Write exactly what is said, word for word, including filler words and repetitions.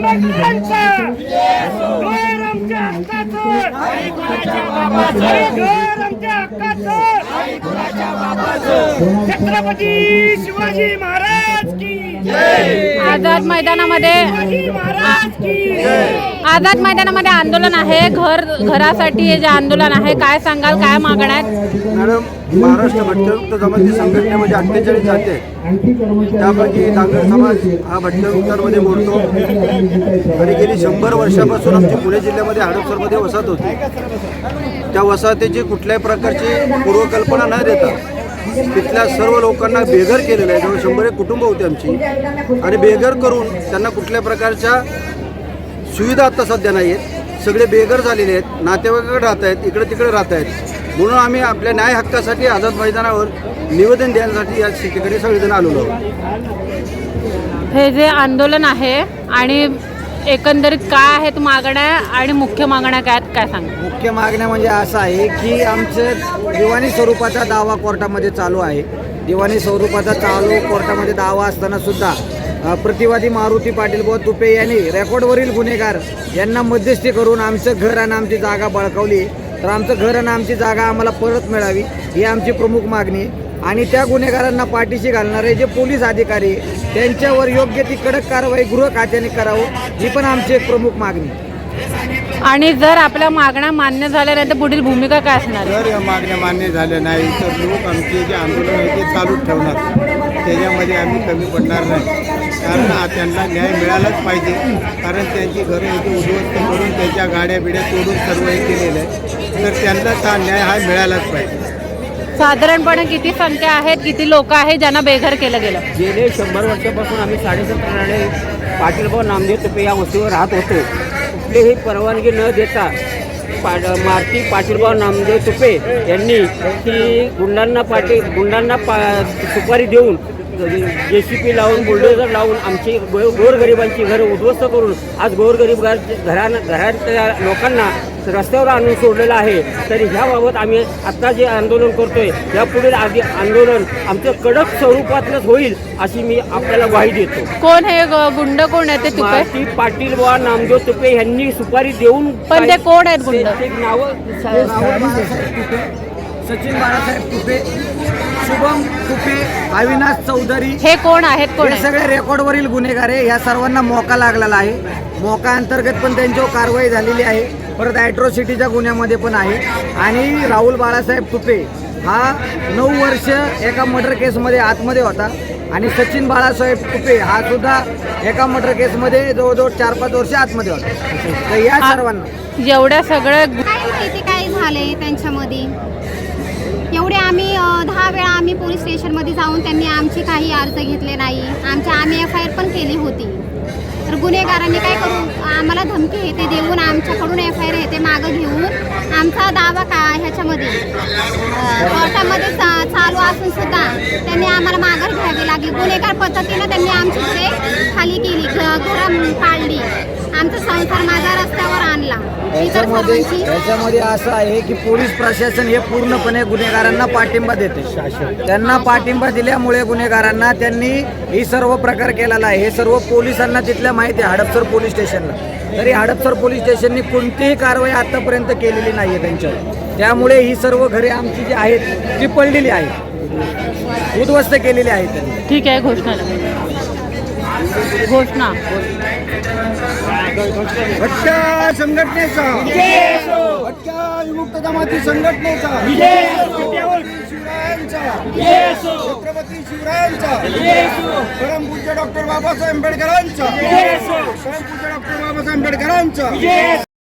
आंबेडकरांचं घर आमच्या हक्काचं, घर आमच्या हक्काचं, छत्रपती शिवाजी महाराज की आझाद मैदानामध्ये शिवाजी महाराज की आझाद मैदानामध्ये आंदोलन आहे. घर घरासाठी हे जे आंदोलन आहे, काय सांगाल, काय मागण्या आहेत? मॅडम, महाराष्ट्र भटकंमुक्त जमाती संघटनेमध्ये अठ्ठेचाळीस जाते आहेत. त्यापैकी डांगर समाज हा भटकंमुक्तांमध्ये मोडतो आणि गेली शंभर वर्षापासून आमची पुणे जिल्ह्यामध्ये हडपसरमध्ये वसाहत होती. त्या वसाहतीची कुठल्याही प्रकारची पूर्वकल्पना न देता तिथल्या सर्व लोकांना बेघर केलेलं आहे. जवळ शंभर एक कुटुंब होती आमची आणि बेघर करून त्यांना कुठल्या प्रकारच्या सुविधा आता सध्या नाही आहेत. सगळे बेघर झालेले आहेत, नातेवाईकाकडे राहत आहेत, इकडे तिकडे राहत आहेत. म्हणून आम्ही आपल्या न्याय हक्कासाठी आझाद मैदानावर निवेदन देण्यासाठी या ठिकाणी सगळेजण आलेलो आहोत. हे जे आंदोलन आहे आणि एकंदरीत काय आहेत मागण्या आणि मुख्य मागण्या काय आहेत, काय सांगा? मुख्य मागण्या म्हणजे असं आहे की आमचं दिवाणी स्वरूपाचा दावा कोर्टामध्ये चालू आहे. दिवाणी स्वरूपाचा चालू कोर्टामध्ये दावा असताना सुद्धा अ, प्रतिवादी मारुती पाटील बुवा तुपे यांनी रेकॉर्डवरील गुन्हेगार यांना मध्यस्थी करून आमचं घर आणि आमची जागा बळकावली. तर आमचं घर आणि आमची जागा आम्हाला परत मिळावी ही आमची प्रमुख मागणी आहे. आणि त्या गुन्हेगारांना पाठीशी घालणारे जे पोलीस अधिकारी त्यांच्यावर योग्य ती कडक कारवाई गृह खात्याने करावं ही पण आमची एक प्रमुख मागणी आहे. आणि जर आपल्या मागण्या मान्य झाल्या नाही तर पुढील भूमिका काय असणार? जर या मागण्या मान्य झाल्या नाही तर लोक आमचे जे आंदोलन आहे ते चालूच ठेवणार. त्याच्यामध्ये आम्ही कमी पडणार नाही. कारण हा त्यांना न्याय मिळालाच पाहिजे. कारण त्यांची घरं इथे उद्ध्वस्त करून त्यांच्या गाड्या बिड्या तोडून सर्व हे केलेलं आहे. तर त्यांनाच हा न्याय हा मिळालाच पाहिजे. साधारणपणे किती संख्या आहेत, किती लोक आहेत ज्यांना बेघर केलं गेलं? गेले शंभर वर्षापासून आम्ही साडेसतराने पाटीलभाऊ नामदेव तुपे या वस्तीवर राहत होतो. कुठलीही परवानगी न देता पा मारुती पाटीलभाऊ नामदेव तुपे यांनी की गुंडांना पाटी गुंडांना पा सुपारी देऊन जे सी पी लावून बुलडोझर लावून आमची गो गोरगरिबांची घरं उद्ध्वस्त करून आज गोरगरीब घर घरान घरातल्या लोकांना रस्त्यावर आणून सोडलेलं आहे. तरी ह्याबाबत आम्ही आत्ता जे आंदोलन करतोय यापुढील आधी आंदोलन आमचं कडक स्वरूपातलंच होईल अशी मी आपल्याला ग्वाही देतो. कोण हे ग- गुंड कोण आहे ते तुपे? मारुती पाटील बुवा नामदेव तुपे यांनी सुपारी देऊन पण ते कोण आहेत गुंड? ते नावं सचिन बाळासाहेब तुपे, शुभम तुपे, अविनाश चौधरी हे कोण आहेत, कोण हे आहेत? सगळे रेकॉर्डवरील गुन्हेगार आहे. या सर्वांना मोका लागलेला आहे. मोका अंतर्गत पण त्यांच्यावर कारवाई झालेली आहे. परत ॲट्रॉसिटीच्या गुन्ह्यामध्ये पण आहे. आणि राहुल बाळासाहेब तुपे हा नऊ वर्ष एका मर्डर केसमध्ये आतमध्ये होता. आणि सचिन बाळासाहेब तुपे हा सुद्धा एका मर्डर केसमध्ये जवळजवळ चार पाच वर्ष आतमध्ये होता. तर या सर्वांना जेवढ्या सगळ्या काय किती काय झाले त्यांच्यामध्ये एवढे आम्ही अ, दहा वेळा आम्ही पोलीस स्टेशनमध्ये जाऊन त्यांनी आमची काही अर्ज घेतले नाही. आमच्या आम्ही एफ आय आर पण केली होती. तर गुन्हेगारांनी काय करू आम्हाला धमकी हे ते देऊन आमच्याकडून एफ आय आर हे ते मागं घेऊन आमचा दावा का ह्याच्यामध्ये अ, कोर्टामध्ये चा, चालू असून सुद्धा त्यांनी आम्हाला माघार घ्यावी लागली. गुन्हेगार पद्धतीनं त्यांनी आमची घरे खाली केली, घ- घरं पाडली, आमचा संसार माझा रस्त्यावर आणला. इतर याच्यामध्ये सर्वांची याच्यामध्ये असं आहे की पोलीस प्रशासन हे पूर्णपणे गुन्हेगारांना पाठिंबा देते. त्यांना पाठिंबा दिल्यामुळे गुन्हेगारांना त्यांनी ही सर्व प्रकार केलेला आहे. हे सर्व पोलिसांना तिथल्या माहिती आहे हडपसर पोलीस स्टेशनला. तरी हडपसर पोलीस स्टेशननी कोणतीही कारवाई आतापर्यंत केलेली नाही आहे त्यांच्यावर. त्यामुळे ही सर्व घरे आमची जी आहेत ती पडलेली आहेत, उद्ध्वस्त केलेली आहेत त्यांनी. ठीक आहे, घोषणा घोषणा भटक्या संघटनेचा, भटक्या विमुक्त जमाती संघटनेचा, शिवरायांचा, छत्रपती शिवरायांचा, परमपूज्य डॉक्टर बाबासाहेब आंबेडकरांचा, परमपूज्य डॉक्टर बाबासाहेब आंबेडकरांचा.